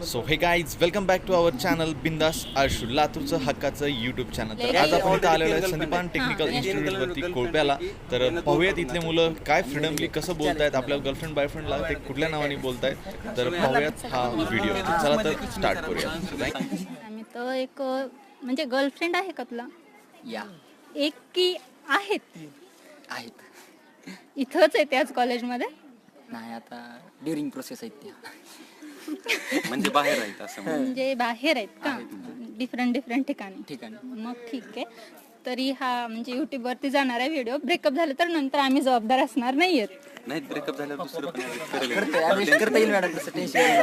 So hey guys welcome back to our channel बिंदास आळशू लातूरचं हक्काचं यूट्यूब चॅनल. तर आज आपण इथं आलेलो आहे संदीपान टेक्निकल इन्स्टिट्यूटवरती कोळप्याला. तर पाहूयात इथले मुलं काय फ्रीडमली कसं बोलतायत, आपल्या गर्लफ्रेंड बॉयफ्रेंडला ते कुठल्या नावाने बोलतायत. तर पाहूयात हा व्हिडिओ. चला तर स्टार्ट करूया. आम्ही तर एक म्हणजे गर्लफ्रेंड आहे का तुला? या एक की आहेत? इथंच आहे त्याच कॉलेजमध्ये? नाही, आता ड्युरिंग प्रोसेस आहेत त्या. म्हणजे बाहेर आहेत असं म्हणजे बाहेर आहेत का? डिफरंट ठिकाणी. मग ठीक आहे. तरी हा म्हणजे युट्यूब वरती जाणारा व्हिडिओ ब्रेकअप झालं तर नंतर आम्ही जबाबदार असणार नाहीयेत. नाही. ब्रेकअप झाल्यावर दुसरं पण करता येईल मॅडम, तसं टेन्शन.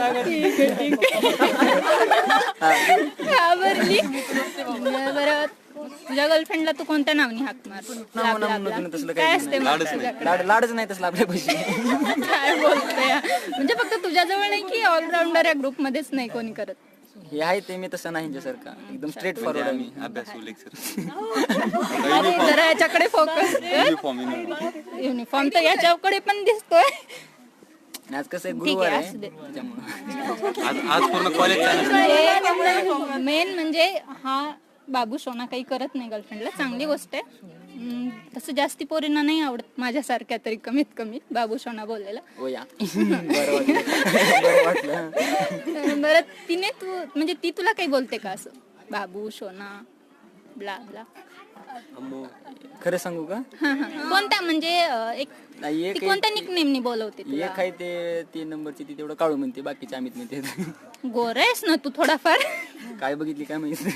घाबरली. बरं, तुझ्या गर्लफ्रेंडला तू कोणत्या नावाने हाक मार? काय असते मग तुझ्याकडे? लाडच नाही तसलं आपल्या पैसे. काय बोलतोय? म्हणजे फक्त तुझ्याजवळ नाही की ऑलराऊंडर या ग्रुप मध्येच नाही कोणी करत? हे आहे ते मी तसं नाही सारखा, एकदम स्ट्रेट फॉरवर्ड आहे मी. अभ्यास लेक्चर अरे जरा याच्याकडे फोकस. युनिफॉर्म तर याच्याकडे पण दिसतोय. आज कसं ठीक गुरुवार आहे, आहे असू दे. त्याच्यामुळे आज पूर्ण कॉलेज मेन म्हणजे हा बाबू सोना काही करत नाही गर्लफ्रेंडला, चांगली गोष्ट आहे. तसं जास्ती पोरींना नाही आवडत, माझ्यासारख्या तरी कमीत कमी बाबू सोना बोललेला. हो या. बरं वाटलं. बरं, तिने तू म्हणजे ती तुला काही बोलते का असं बाबू सोना ब्ला ब्ला? खरं सांगू का? कोणत्या म्हणजे एक नाही, ती एक कोणत्या निकनेमनी बोलवते तुला? एक आहे ते 3 नंबरची, ती तेवढं काळू म्हणते, बाकीचे अमित म्हणते. गोरा आहेस ना तू थोडाफार? काय बघितली काय माहिती.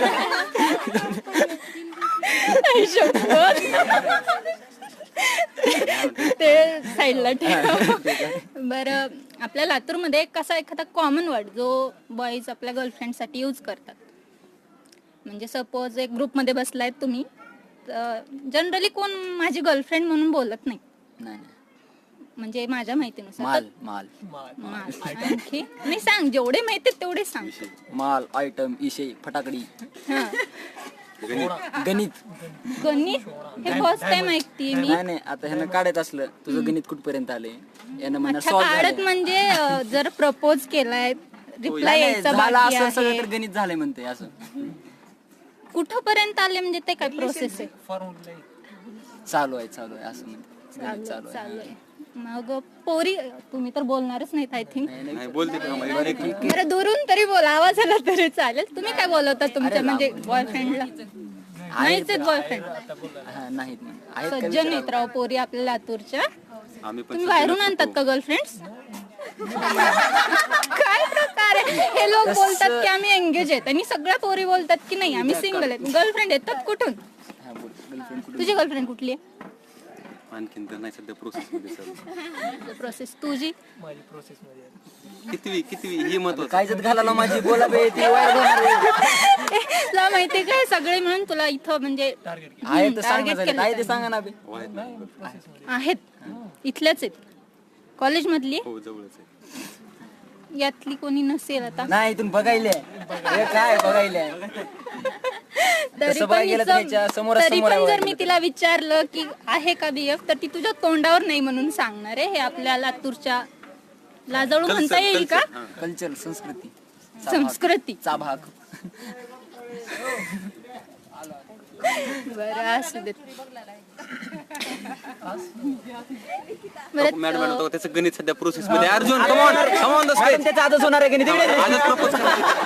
ते साईडला ठेव. बरं, आपल्या लातूरमध्ये कसा एखादा कॉमन वर्ड जो बॉईज आपल्या गर्लफ्रेंडसाठी यूज करतात? म्हणजे सपोज एक ग्रुपमध्ये बसलाय तुम्ही, जनरली कोण माझी गर्लफ्रेंड म्हणून बोलत नाही. नाही, म्हणजे माझ्या माहितीनुसार माल माल माल. आणखी नाही, सांग जेवढे माहिती तेवढे सांग. माल, आयटम, इशे, फटाकडी, हा. गणित. गणित हे फर्स्ट टाइम ऐकते मी. नाही, आता ह्यानं काढायचं असलं तुझं गणित कुठपर्यंत आले, यानं म्हणा अच्छा, सॉल्व्ह काढत म्हणजे जर प्रपोज केलाय, रिप्लाय यायचा झाला बाकी असं सगळं आहे, तर गणित झालंय म्हणते. असं कुठपर्यंत आले म्हणजे ते काय प्रोसेस आहे? चालू आहे असं म्हणते. गणित चालू चालू आहे. आहे. मग पोरी, तुम्ही तर बोलणारच नाहीत आय थिंक. नाही बोलते का बरं, दुरून तरी बोला, आवाज आला तरी चालेल. तुम्ही काय बोलवता तुमच्या म्हणजे बॉयफ्रेंडला? नाहीच आहेत बॉयफ्रेंड? हा, नाहीत ना. आहेत का सज्जन विचारा. आहेत राव पोरी आपल्या लातूरच्या. आम्ही पण तुम्ही बाहेरून आणतात का गर्लफ्रेंड्स? काय प्रकार आहे? हे लोक बोलतात की आम्ही एंगेज आहेत आणि सगळ्या पोरी बोलतात की नाही आम्ही सिंगल आहेत. गर्लफ्रेंड येतात कुठून? हा, बोल. गर्लफ्रेंड कुठे? तुझी गर्लफ्रेंड कुठली आहे? आणखीन तर नाही सध्या प्रोसेस मध्ये चालू. प्रोसेस तुझी? कितवी ही महत्वाचं. काय जत घालायला माझी बोला बे, ती वायर होणार आहे. तुला माहितीये काय, सगळे मिळून तुला इथं म्हणजे आहे तर सांग ना, झालं. आहे ते सांगा ना बे. आहेत, इथल्याच आहेत, कॉलेज मधली. हो जवळच आहे. यातली कोणी नसेल आता. नाही, इथून बघायले हे काय बघायले. तरी तसं पण बघायला गेलं तर ह्याच्या समोरासमोर आहे जर मी वाटलं. तिला विचारलं की आहे का बीएफ, तर ती तुझ्या तोंडावर नाही म्हणून सांगणार आहे. हे आपल्या लातूरच्या लाजळू म्हणता येईल का? कल्चर, संस्कृती, संस्कृतीचा भाग. बरं, असू देत. बरं, मॅडम म्हणतो त्याचं गणित सध्या प्रोसेस मध्ये. Arjun come on the stage. त्याचा आजच होणार आहे की नाही? आजच प्रपोज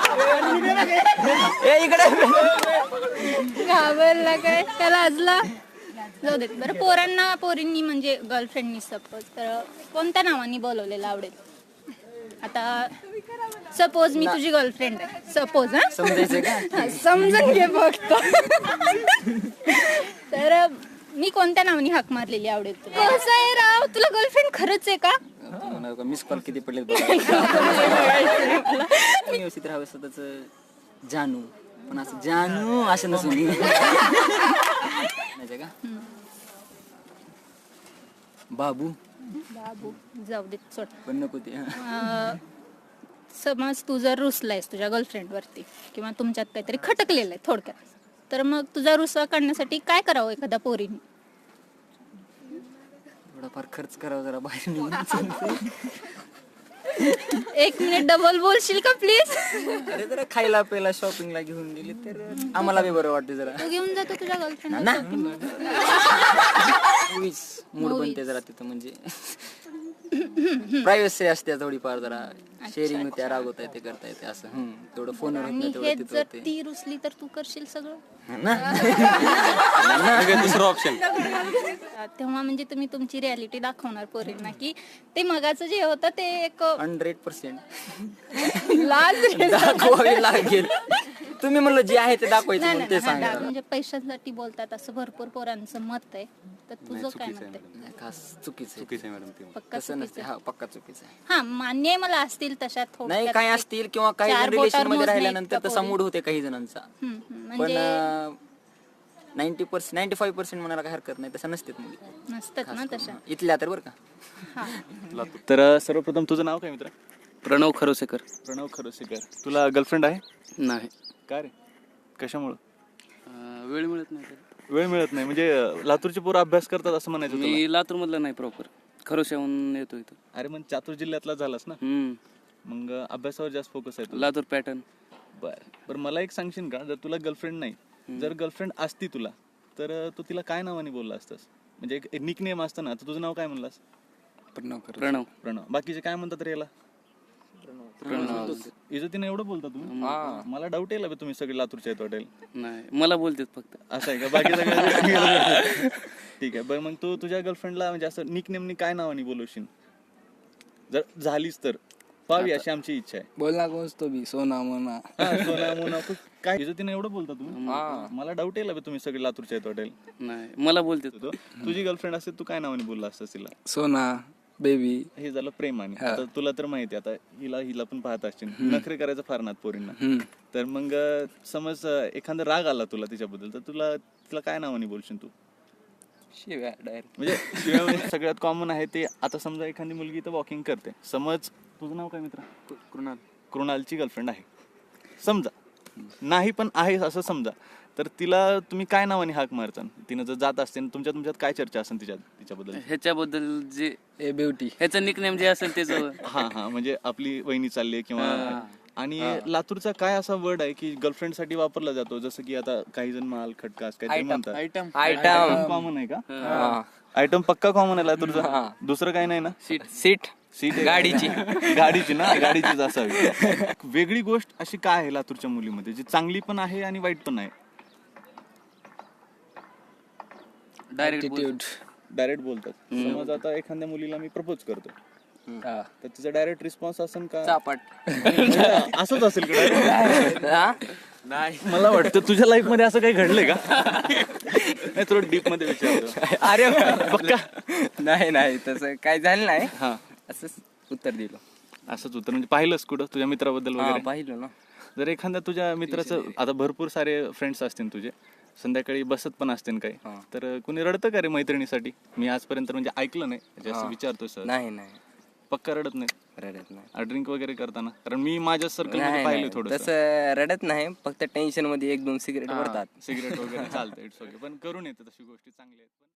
ए, इकडे. घाबरला काय, त्याला लाजला? जाऊ देत. बरं, पोरींनी म्हणजे गर्लफ्रेंडनी सपोज तर कोणत्या नावाने बोलवलेलं आवडेल? आता सपोज मी तुझी गर्लफ्रेंड आहे, सपोज. हा, समजायचं का? समजून घे फक्त. तर मी कोणत्या नावाने हाक मारलेली आवडेल तुला? कसं आहे राव, तुला गर्लफ्रेंड खरंच आहे का? मिस कॉल किती पडले. व्यवस्थित राहावं स्वतःच जानू, पण असं जानू असं नसून नाही का? बाबू जाऊ देत, सोड. पण नको ते. समज तू जर रुसलायस तुझ्या गर्लफ्रेंड वरती किंवा तुमच्यात काहीतरी खटकलेलं आहे थोडक्यात, तर मग तुझा रुसवा काढण्यासाठी काय करावं एखाद्या पोरीने? थोडाफार खर्च करावा जरा बाहेर निघून. एक मिनिट डबल बोलशील का प्लीज? अरे जरा खायला प्यायला शॉपिंगला घेऊन गेली तर आम्हाला बी बरं वाटते जरा. तू घेऊन जातो तुझ्या गर्लफ्रेंड मूड बनते जरा तिथं म्हणजे प्रायव्हसी असते थोडीफार जरा शेअरिंग होते रागवता येते करता येते असं तेवढं फोनवर होत आणि नाही हे तेवढं तिथं जर होते ती रुसली तर तू करशील सगळं. दुसरं ऑप्शन तेव्हा म्हणजे तुम्ही तुमची रियालिटी दाखवणार पोरींना की ते मगाचं जे होतं ते एक 100% लाज दाखवावी लागेल. तुम्ही म्हणलं जे आहे ते दाखवायचं नाही म्हणून ते सांगा. म्हणजे पैशासाठी बोलतात असं भरपूर पोरांचं मत आहे. तर तुझं काय मत आहे? नाही, खास चुकीचं आहे. चुकीचं आहे मॅडम ते पक्का तसं नसते. हा पक्का चुकीचं आहे. हा मान्य आहे मला असतील तशा नाही थोडक्यात काय एक असतील किंवा काही चार जण रिलेशन बोटावर मध्ये मोजण्या राहिल्यानंतर इतका तसा पोरी. मूड होते काही जणांचा. पण म्हणजे 90% 95% म्हणायला काही हरकत नाही तसं नसते मुली नसतात ना तशा. इथल्या तर बरं का. हा तर सर्वप्रथम तुझं नाव काय मित्र? प्रणव खरोसेकर. प्रणव खरोसेकर. तुला गर्लफ्रेंड आहे नाही. का रे? कशामुळं? वेळ मिळत नाही तर. वेळ मिळत नाही म्हणजे लातूरचे पोरं अभ्यास करतात असं म्हणायचं तुला? मी लातूर मधला नाही प्रॉपर, खरोश्याहून येतो इथं. अरे मग चातूर जिल्ह्यातला झालास ना, मग अभ्यासावर जास्त फोकस आहे तुला. लातूर पॅटर्न. बरं मला एक सांगशील का, जर तुला गर्लफ्रेंड नाही, जर गर्लफ्रेंड असती तुला तर तू तिला काय नावाने बोलला असतास? म्हणजे एक निक नेम असतं ना, तर तुझं नाव काय म्हणलास? प्रणव. प्रणव. बाकीचे काय म्हणतात रे याला? प्रणव. इज्जतीने एवढं बोलता तुम्ही? मला डाऊट येईल तुम्ही सगळे लातूरचे आहेत वाटेल. नाही, मला बोलतेत फक्त. असं आहे का? बाकी सगळं ठीक आहे. बरं मग तू तुझ्या गर्लफ्रेंडला म्हणजे असं निक नेमनी काय नावाने बोलवशील जर झालीस तर? पाहावी अशी आमची इच्छा आहे. बोलना कोण तो बी सोना मोना. सोना मोना काय इज्जतीने एवढं बोलता तुम्ही? मला डाऊट येईल तुम्ही सगळे लातूरचे आहेत वाटेल. नाही, मला बोलतेत. तुझी गर्लफ्रेंड असते तू काय नावाने बोलला असतास तिला? सोना बेबी. हे झालं प्रेमाने. आता तुला तर माहिती आता हिला पण पाहत असशील, नखरे करायचं फार नात पोरींना. तर मग समज एखादा राग आला तुला तिच्याबद्दल तर तिला काय नावाने बोलशील तू? शिव्या डायरेक्ट. म्हणजे शिवाय म्हणजे सगळ्यात कॉमन आहे ते. आता समजा एखादी मुलगी तर वॉकिंग करते, समज तुझं नाव काय मित्र? कृणालची गर्लफ्रेंड आहे समजा, नाही पण आहे असं समजा, तर तिला तुम्ही काय नावाने हाक मारता? तिनं जर जात असते तुमच्यात काय चर्चा असेल तिच्याबद्दल? ह्याच्याबद्दल जे ए ब्युटी. ह्याचं निकनेम जे असेल त्याच. हा म्हणजे आपली वहिनी चालली किंवा. आणि लातूरचा काय असा वर्ड आहे की गर्लफ्रेंड साठी वापरला जातो, जसं की आता काही जण माल खटकास काहीतरी म्हणतात. आयटम कॉमन आहे का? आयटम पक्का कॉमन आहे लातूरचा. दुसरं काही नाही ना? सीट गाडीची ना, गाडीचीच असावी. वेगळी गोष्ट अशी काय आहे लातूरच्या मुलीमध्ये जी चांगली पण आहे आणि वाईट पण आहे? डायरेक्ट बोलतात. समज आता एखाद्या मुलीला मी प्रपोज करतो तर तिचा डायरेक्ट रिस्पॉन्स असेल का? चापाट. असंच असेल का? नाही, मला वाटतं तुझ्या लाईफ मध्ये असं काही घडलंय का? नाही, थोडं डीप मध्ये विचारतो. अरे पक्का? नाही तसं काय झालं नाही. हा, असंच उत्तर दिलं. असंच उत्तर म्हणजे पाहिलंस कुठं तुझ्या मित्राबद्दल वगैरे? पाहिलं ना. जर एखाद्या तुझ्या मित्राचं, आता भरपूर सारे फ्रेंड्स असतील तुझे, संध्याकाळी बसत पण असतील काही, तर कुणी रडतं का रे मैत्रिणीसाठी? मी आजपर्यंत म्हणजे ऐकलं नाही, असं विचारतोय सर. नाही पक्का रडत नाही? रडत नाही. ड्रिंक वगैरे करताना? कारण मी माझ्या सर्कल मध्ये पाहिलं थोडं. तसं रडत नाही, फक्त टेन्शन मध्ये 1-2 सिगरेट भरतात. सिगरेट वगैरे चालतं, इट्स ओके. पण करून येतं तशी गोष्टी चांगल्या आहेत.